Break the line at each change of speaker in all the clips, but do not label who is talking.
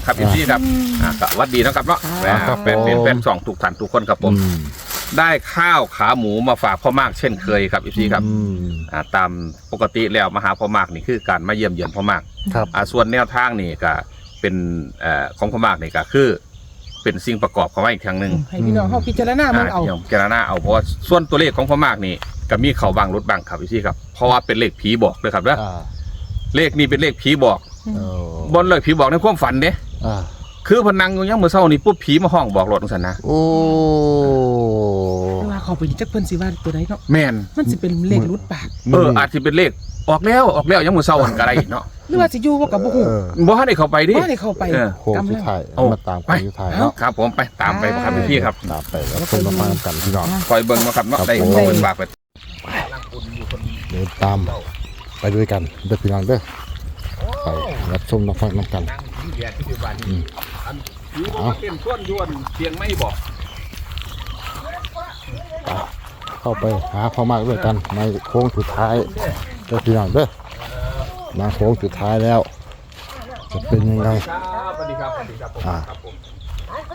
ครับพี่ซี่ครับก็วัดดีนะครับเนาะเป็นสองทุกท่านทุกคนครับผมได้ข้าวขาหมูมาฝากพ่อมากเช่นเคยครับพี่ซี่ครับตามปกติแล้วมาหาพ่อมากนี่คือการมาเยี่ยมเยือนพ่อมาก
ครับ
ส่วนแนวทางนี่ก็เป็นของพ่อมากนี่ก็คือเป็นสิ่งประกอบของอีกทางหนึ่ง
ให้พี่น้องเขาพิจารณามันเอา
พิจารณาเอาเพราะว่าส่วนตัวเลขของพ่อมากนี่ก็มีเขาบางรุดบางครับพี่ซี่ครับเพราะว่าเป็นเลขผีบอกเลยครับนะเลขนี้เป็นเลขผีบอกบนเลยผีบอกในความฝันเด้คือพนังยังเมื่อเช้านี่ปุ๊บผีมาห้องบอกรถตรงสันนะ
โอ้
ว่าเขาไปจักเพิ่นสิว่าตัวไหนเนาะ
แม่น
มันสิเป็นเลขรุดปาก
อาจจะเป็นเลขออกแล้วยังเมื่อเช้าอันก็ได้เนาะ
หรือว่าสิอยู่ว่ากับบ่ฮู้
บ่ให้เข้าไปดิ
บ่ให้เข้าไป
โค้งสุดท้ายมาตามโค้งสุดท้ายเนาะ
ครับผมไปตามไปครับพี่ครับ
ตามไปแล้วคนมาฟังกันพี่น้อง
คอยเบิ่งมาครับเนาะได้เป็นบากไป
เดินตามไปด้วยกันเด้อพี่น้องเด้อไปรับชมรับฟังน้ำกัน
เต็มส่วนยวนเสียงไม่บอก
เข้าไปหาพ่อมากด้วยกันในโค้งสุดท้ายเด้อพี่น้องเด้อมาโค้งสุดท้ายแล้วจะเป็นยังไง
สวัสดีครับผมไป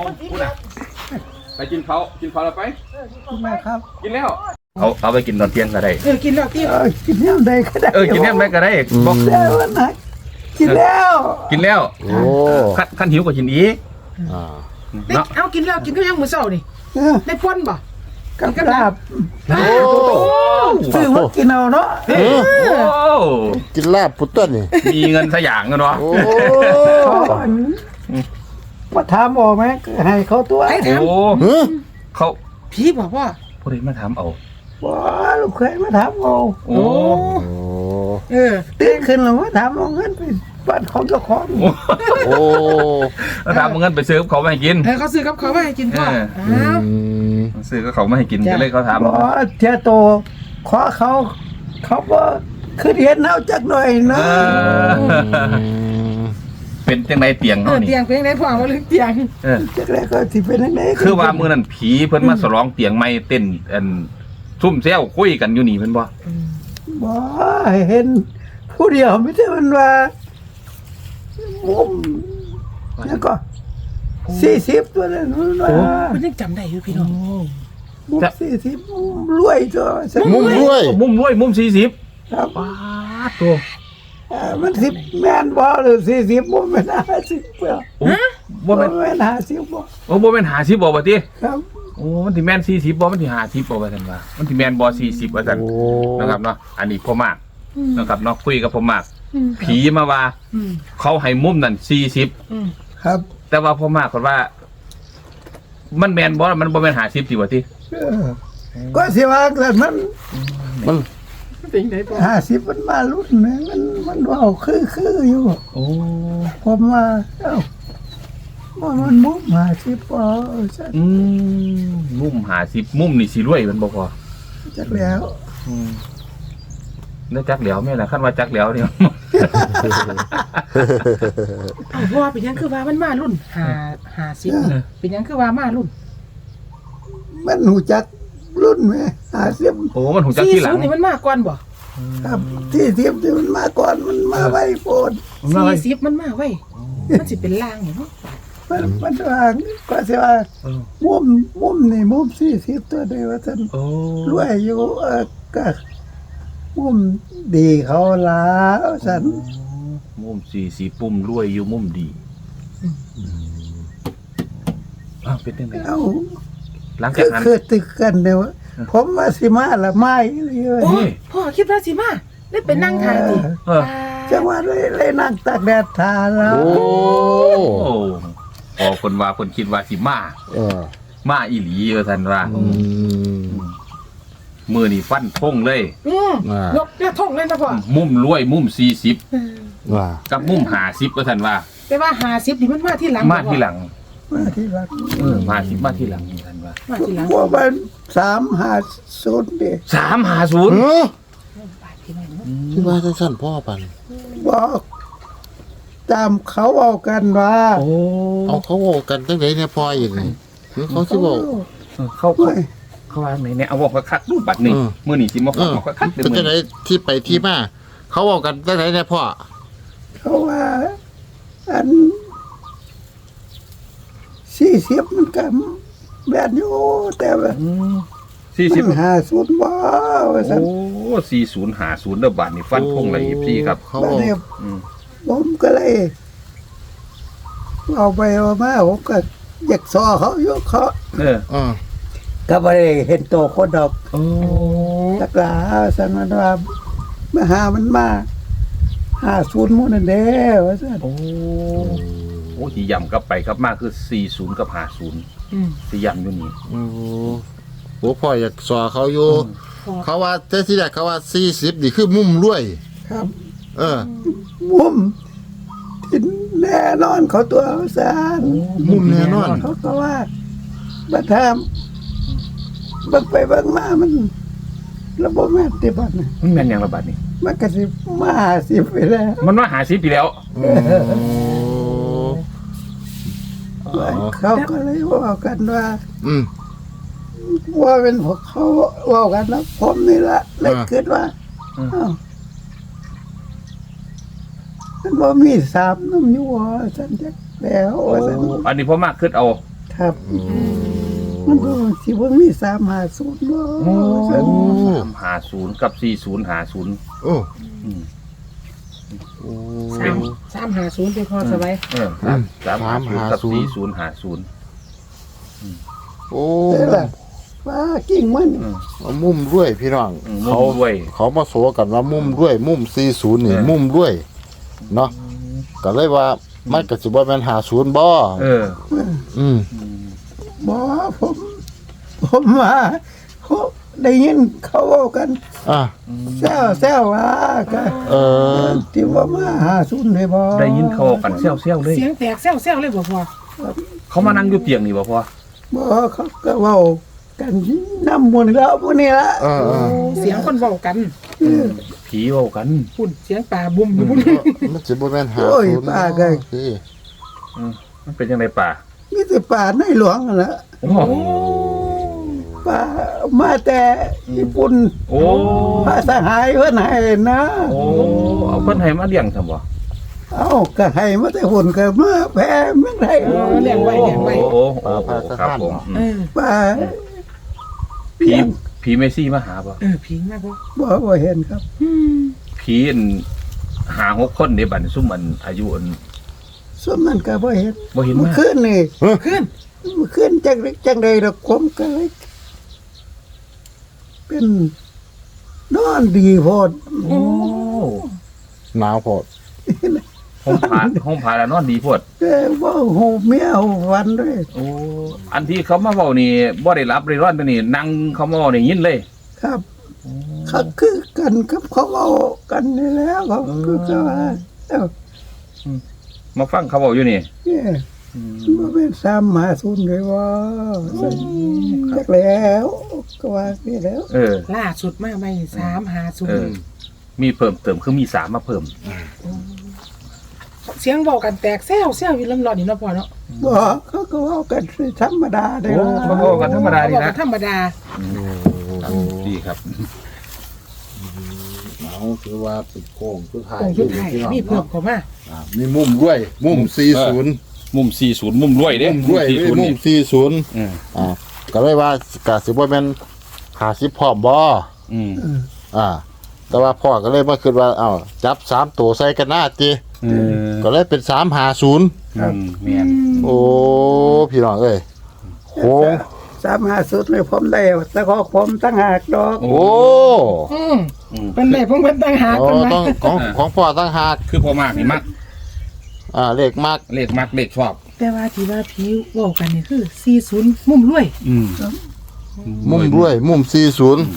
กินเขาแล้วไป
กินแล้วครับ
กินแล้วเอาไปกินตอนเที่ยงก็ได้
กินแล้ว
กินแล้วได้ก็ได้
กินแล้วได้ก็ได้
บอกแล้วนะกินแล้ว
โอ้ขั้นหิวกว่ากินอีก
เนาะเอากินแล้วกินก็ยังมื้อเช้านี่ได้พ่นบ่
กับลาบซื้อมากินเอาเนาะ
กินลาบพุทธนี่
มีเงินสักอย่างเนาะ
มาถามออกไหมให้เขาตัว
เขา
พี่บอกว่า
ผู้ใดมาถามเอา
ว้าลูกเคยมาถามเอาตื่นขึ้นแล้วมาถามเอาเงินไปบ้านของเจ้าของ
มาถามเอาเงินไปซื้อเขาไม่ให้กิน
เขาซื้อกับเขาไม่ให้กินก็
ซื้อก็เขาไม่ให้กินก็เลยเขาถาม
ว่าเทียโตขอเขาว่าคือเห็นเอาจักหน่อยนะ
เป็นจังไรเตียงเขานี่
เตียงเป็นจังไรพ่อว่าเรื่องเตียง
จักไรก็ที่เป็นจังไร
คือว่ามือนั้นผีเพิ่นมาสลองเตียงไม่เต้นซุ่มแซวคุยกันอยู่นี่เพิ่นบ่
เห็นผู้เดียวไม่ใช่มันว่ามุมแล้วก็40ตัวนั้นว่า
มันยังจำได้อยู่พี่น้อง
มุม40มุมรวยตัว
มุมรวยมุม40
ครับ
ตัว
มัน10แม่นบ่หรือ40มุมเป็น50บ่บ่แม่น50บ่
บ่แม่น50บ่บัดนี้
ครับ
มันสิแม่น40บ่มันสิ50บ่ว่าซั่นว่ามันสิแม่นบ่40ว่าซั่นนะครับเนาะอันนี้พ่อมากนะครับเนาะคุยกับพ่อมากผีมาว่าเขาให้มุมนั่น40
ครับ
แต่ว่าพ่อมากคนว่ามันแม่นบ่มันบ่แม่น50สิว่าติ
ก็สิว่าแต่มันเป็นไดบ่50มันมารุ่นมันเว้าคืออยู่ผมว่ามันมุม50บ่
มุม50มุมนี่สิรวยมันบ่พอ
จักแล้ว
แล้วจักแล้วแม่ล่ะคันว่าจักแล้วนี่
พ่อเป็นยังคือว่ามันมารุ่น50เป็นยังคือว่ามารุ่น
มันหูจักรุ่นแม่50
มันหูจักที่หลัง
นี่มันมาก่อนบ่
ครับ40ที่มันมาก่อนมันมาไว้โพด
40มันมาไว้มันสิเป็นล่างนี่เนาะ
มันว่าก็สิว่ามุมนี่มุม40ตัวเดียวว่าซั่นรวยอยู่ก็มุมดีเขาแล้วซั่น
มุม40มุมรวยอยู่มุมดีเป็นจังได๋หลังจากนั้น
คือตึกกันเด้อผมว่าสิมาละไม้เลย
พ่อคิดว่าสิมาได้เป็นนั่งทาติ
จังว่าเลยนั่งตากแดดทาแล้ว
พอคนว่าคนคิดว่าสิมาอีหลีว่าซั่นว่ามือนี่ฟันทงเลย
ยกท่งเลยนะพ่อ
มุมรวยมุม40กับมุม50ว่าซั่นว่า
แต่ว่า50นี่มันมาที่หลัง
มาที่หลัง
มาที่หลัง
มาที่หลังนี่ท่านว่า
มาที่หลัง
ว่ามัน350ดิ
350
ที่ว่าสั้นพ่อปัน
บอกตามเขาเอากันว่า
เอาเขาเอากันตั้งแต่เนี่ยพ่ออย่างนี้เขาสิบอก
เขาว่าไหนเนี่ยเอาบอกว่าคักรูปบัตรนี่มื้อนี้สิมาขอคัก
เป็นจังได๋ที่ไปที่มาเขาเอากันตั้งแต่เนี่ยพ่อ
เขาว่าอัน 40มันก็แบบอยู่แต่ว่า
40
มัน50บ่ว่าซั่น
โอ้4050เด้อบาทนี่ฟันคงเลยพี่ครับ
เขา
บัดนี้
อืม
ผมก็เลยเอาไปเอามาผมก็อยากซอเขาอยู่เขา
เออ
ก็บ่ได้เห็นโตคนดอก
โอ้
ตักลาสันมันว่ามาหามันมา50หมู่นั่นเด้ว่าซั่น
โอ้ที่ย่ำกลับไปครับมาคือ40กับ50
อืม
ที่ย่ำอยู่นี่
โอ้พ่ออยากสอเขาอยู่เขาว่าแต่ที่แรกเขาว่า40นี่คือมุมรวย
ครับ
เออ
มุมที่แน่นอนเขาตัวว่าซั่น
มุมแน่นอน
เขาก็ว่าบัดทามเบิ่งไปเบิ่งมามันระบบแม่นติบัดน่ะ
มันแม่นหยังละบาทนี่
มันก็สิมา50ไปแล้ว
มันมาหา10ปีแล้ว
เขาก็เลยว่ากันว่า
อืม
ว่าเป็นพวกเขาว่ากันนะผมนี่ละเลยคิดว่าอ้าวมันบ่มีสามน้ำอยัวสันจักแล้วว่าสัน
อันนี้พ่อมากขึ้นเอา
ครับ มันก็สิบ่มี350บ่สัน
350กับ4050
โอ้
อืม
350เป็นพอสบาย
350กับ4050
โอ้
แต่ละว่ากิ่งมัน
มุมรวยพี่น้อง
เขา
เขา
ด้วย
เขามาโสกันว่ามุมรวย มุม40นี่
เออ
มุมรวยเนาะก็เลยว่ามันก็สิบ่แม่น50บ่
เออ
อืม
บ่ผมว่าเขาได้ยินเขาเว้ากัน
อ่ะ
แซวว่าก็
เออ
ที่ว่ามา50ได้บ่
ได้ยินเขากันเซี่ยวๆเลย
เสียงแตกแซวๆเลยบ่พอ
เขามานั่งอยู่เตียงนี่บ่พ่อ
บ่เขาก็เว้ากันน้ำมนต์แล้วพวกนี้ละ
เออ
เสียงคนเว้ากัน
ผีเว้ากัน
พุ่นเสียงป่าบุ้มอยู่พุ่น
มันสิบ่แม่น
โอ้ย
50
ป้าก็
พี่
มันเป็นยังไงป่า
มีแต่ป่าในหลวงนั่นล่ะ
โอ้โห
ป่ามาแต่ญี่ปุ่น
โอ้
พระสหายเพิ่นให้นะ
โอ้เอาเพิ่นให้มาเลี้ยงซั่นบ่
เอ้าก็ให้มาแต่หุ่นก็มาแพ้เมืองไทย
โอ้ครับผม
เออ
ป่า
ผีเมซี่มาหาบ่
ผีมากบ่
บ่เห็นครับ
ผีอันหา6คนเด้บัดนี้ซุ่มอันอายุอัน
ส่วนมันก็บ่เห็น
บ่เห็น
เมื่อ
มา
คืนนี่
ขึ้น
เมื่อคืนจังใดดอกผมก็เลยเป็นนอนดีโพด
โอ้
หนาวโพด
ห้องผ่าแล้วนอนดีโพด
แต่ว่าหูเมียหูวันด้วย
โอ้อันที่เขามาเว้านี่บ่ได้รับได้ร้อนตัวนี่นั่งเขามาเว้านี่ยินเลย
ครับเขาคือกันครับเขาเอากันนี่แล้วเขาคือก็ว่าเอ้า
มาฟังเขาเว้าอยู่นี่
เนี่ยมันเป็น350เลยว่าจักแล้วก็ว่านี่แล้ว
เออ
ล่าสุดมาใหม่
เออ มีเพิ่มเติมคือมี3มาเพิ่ม
350เสียงเว้ากันแตกแซวอยู่ลำร้อนนี่เนาะพ่อเนาะ
บ่เขาก็เอากันธรรมดาได้
โอ้
ว่า
มาเว้ากันธรรมดาดี
เว้ากั
นะ
นธรรมดา
ดีครับ
หนาวถือว่าเป็นโค้งสุดท้าย
ของชุดไทยมีเพิ่มเข้ามา
มีมุมรวย มุม40
มุม40มุมรวยเด้
มุมรวย
40
มุ
นี่
ม40ก็เลยว่ากะสิบ่แม่น50พร้อมบ่
อืม
แต่ว่าพ่อก็เลยมาคิดว่าจับ3ตัวใส่กันหน้าติ ก็เลยเป็น350
แม่น
โอ้พี่น้องเอ้ยโค้ง
350เลยผมได้แต่ขอผมตั้งหากดอก
โอ้
เป็นได้ผมเป็นต่างหาก
โอ้
เป็น
ต้องของพ่อตั้งหาก
คือพอมากนี่มัก
เลขมาก
เลขมักเลขชอบ
แต่ว่าที่ว่าผีเว้ากันนี่คือ40มุมรวย
มุมรวย มุม40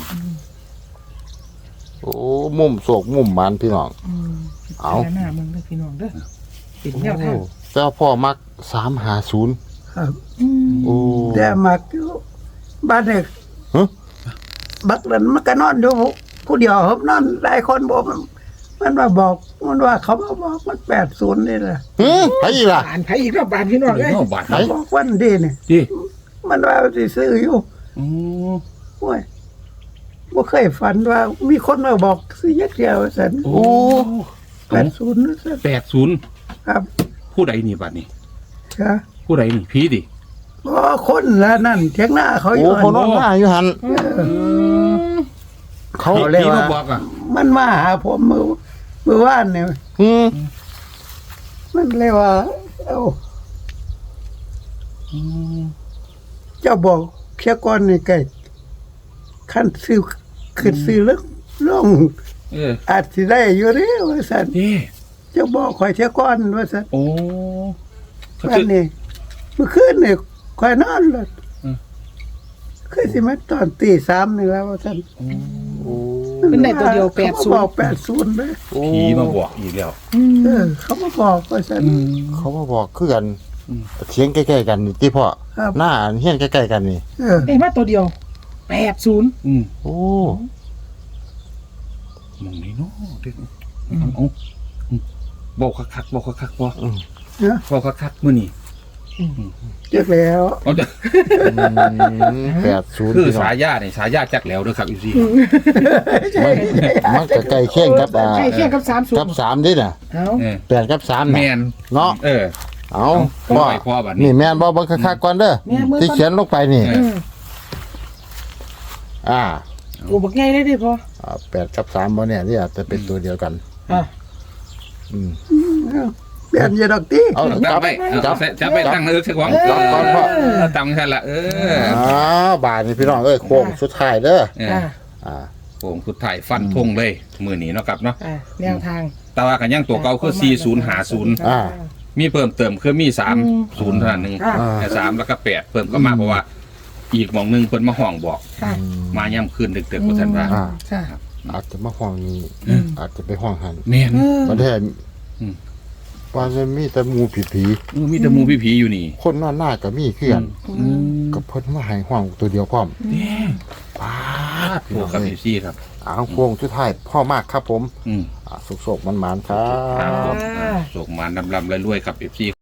โอ้มุมโศกมุมมันพี่น้อง เอา
หน้ามึงเด้อพี่น้องเด้อเป็นแนวทาง
แต่ว่าพ่อมัก350
ครับ
โอ้
แต่มักอยู่บ้านเด็ก
ฮะ
บักนั้นมันก็นอนอยู่ผู้เดียวครับนอนหลายคนบอกมันว่าบอกมันว่าเขามาบอกมัน80นี่แหละ
ไปอีกล่ะ
บานไผอีกแล้วบานพี่น้องเอ้ย
บาท
ไหน
บอกวันดีนี่
ดิ
มันว่าสิซื้ออยู่โอ้ยบ่เคยฝันว่ามีคนมาบอกซื้อยักเดียวสัน
โอ้
80นั่นสัน
80
ครับ
ผู้ใดนี่บัดนี้
ครับ
ผู้ใดนี่ผีดิ
อ๋อคนละนั่นเถียงหน้าเขาอ
โอ้
ยู่
เขานอนหน้าอยู่หันเขา
เขาเรียก
ผี
ว่า
มาบอกอ่ะ
มันมาหาผมมือว่านเนี่ย
อืม
มันเรียกว่าเอาเจ้าบอกเพียก่อนนี่ไก่ขั้นซื้อขึ้นซื้อแล้วลง อาจสิได้อยู่เด้ว่าซั่น
นี่
เจ้าบอกข่อยเที่ยก่อนว่าซั่น
โอ้
วันนี้เมื่อคืนนี่ข่อยนอนเลย
อืม
คือสิมาตอนตี3นี่แล้วว่าซั่น
โอ้
เป็นได้ตัวเดียว
เขามาบอก80เลย
ผีมาบอกอีกแล้ว
เขามาบอกว่าซั่น
เขามาบอกคือกันเสียงใกล้ๆกันนี่ที่พ่อ
ครับ
หน้าเฮียนใกล้ๆกันนี่
เอ้มาตัวเดียว80
โอ้
มองนี่เนาะเด็กเอาบอกคักๆบอกคักๆบ่
เนาะ
บอกคักๆมื้อนี้
จักแล้ว
เอาเด้อ
80
คือ
พี่น้อง
สายานี่สายาจักแล้วเด้อครับอยู่ซี่
มันก็ใกล้เคียงกับ
ใกล้เคียงกับ
กับ3ดิน่ะ
เอา
8กับ3
แม
น่ะ
น
เนาะ เอา
พ่
พ่
อ
อ
พ่อบัดนี้
นี่แม่นบ่เบิ่งคักๆก่อนเด้อ
แม่มือ
ที่เขียนลงไปนี่ อ่า
กูบักใหญ่ได้ดิพ่อ
8กับ3บ่เนี่ยที่อาจจะเป็นตัวเดียวกัน
อ่ะ
อืม
เปลี่ยนอยาดอกติ
เอา
จั
จั
บบ ไป
จับ
ไปตั้งเสักของ
จับก่อนพ่อ
ตั้งแค่ละ
อ้าวบาดนี่พี่น้องเอ้ยโค้งสุดท้ายเด้อ
อ่ะ
อ่า
โป่งสุดท้ายฟันธงเลยมื้อนี้เนาะครับเนาะ
อ่ะแนวทาง
แต่ว่ากันยังตัวเก่าคือ4050
อ่า
มีเพิ่มเติมคือมี30เท่านั้นหนึง
อ่า
แต่3แล้วก็8เพิ่มก็มาเพราะว่า อีกหม่องหนึงเพิ่นมาห้องบอก
ค่ะ
มาย่ำคืนดึกๆว่าซั่นว่า
อ่า
ค่ะ
อาจจะมาห้องนี้อาจจะไปห้องหัน
แม่น
ประเทศ
อืม
ว่าจะมีแต่หมูผี
มีแต่หมู่ผีๆอยู่นี่
คนนอนหน้าก็มีคือกันกับเพิ่นมาให้ห้องตัวเดียวพร้อมป้าด
โอ้ครับพี่ครับ
อ้าวโค้งสุดท้ายพ่อมากครับผม
อืม
สุกๆมันๆครั
ครับผ
บ
มโศกมานลำๆรวยๆครับ FC